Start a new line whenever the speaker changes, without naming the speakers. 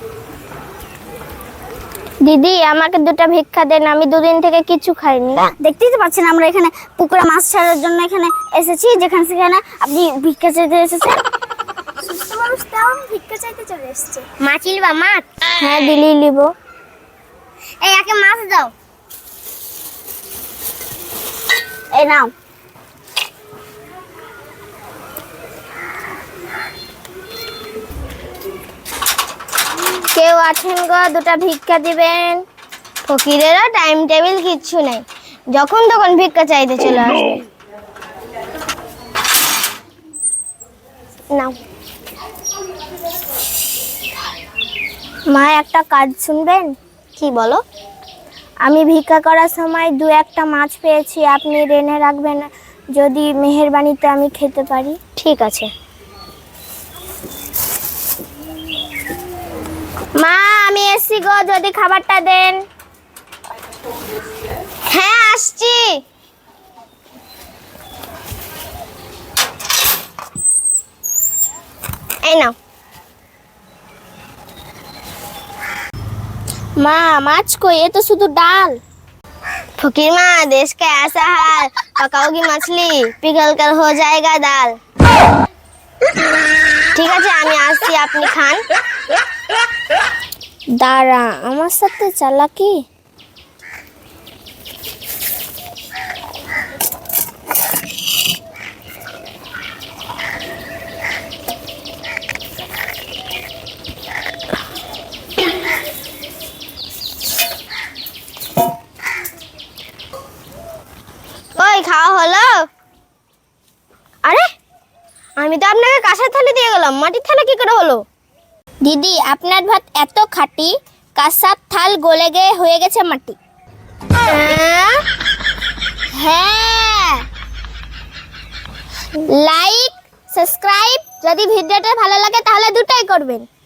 দিদি আমাকে দুটো ভিক্ষা দেন, আমি দুদিন থেকে কিছু খাইনি।
দেখতেই তো পাচ্ছেন আমরা এখানে পুকুরে মাছ ছাড়ার জন্য এখানে এসেছি, যেখানে সেখানে আপনি ভিক্ষা চাইতে এসেছেন। সুস্থ মানুষ তাও ভিক্ষা চাইতে চলে এসেছে।
মাছ লিবা মাছ? হ্যাঁ দিলি লিব।
এই একে মাছ দাও। এই নাও।
কেউ আছেন গো, দুটো ভিক্ষা দিবেন? ফকিরেরও টাইম টেবিল কিচ্ছু নেই, যখন তখন ভিক্ষা চাইতে চলে আসবে। নাও মা, একটা কাজ শুনবেন? কি বলো? আমি ভিক্ষা করার সময় দু একটা মাছ পেয়েছি, আপনি রেনে রাখবেন, যদি মেহেরবানিতে আমি খেতে পারি। ঠিক আছে মা, আমি এসছি গো, যদি খাবারটা দেন। হ্যাঁ আসছি। এই নাও। মা माछ को, ये तो शुद्ध डाल। फकीर माँ, देश का ऐसा हाल, पकाओगी मछली पिघल कर हो जाएगा दाल। ঠিক আছে আমি আসছি, আপনি খান। দাঁড়া, আমার সাথে চালাকি। ওই খাওয়া হলো? আরে আমি তো আপনাকে কাঁসার থালি দিয়ে গেলাম, মাটির থালা কি করে হলো? দিদি আপনার ভাত এত খাঁটি, কাঁসার থাল গলে গিয়ে হয়ে গেছে মাটি। হ্যাঁ, লাইক সাবস্ক্রাইব, যদি ভিডিওটা ভালো লাগে তাহলে দুটোই করবেন।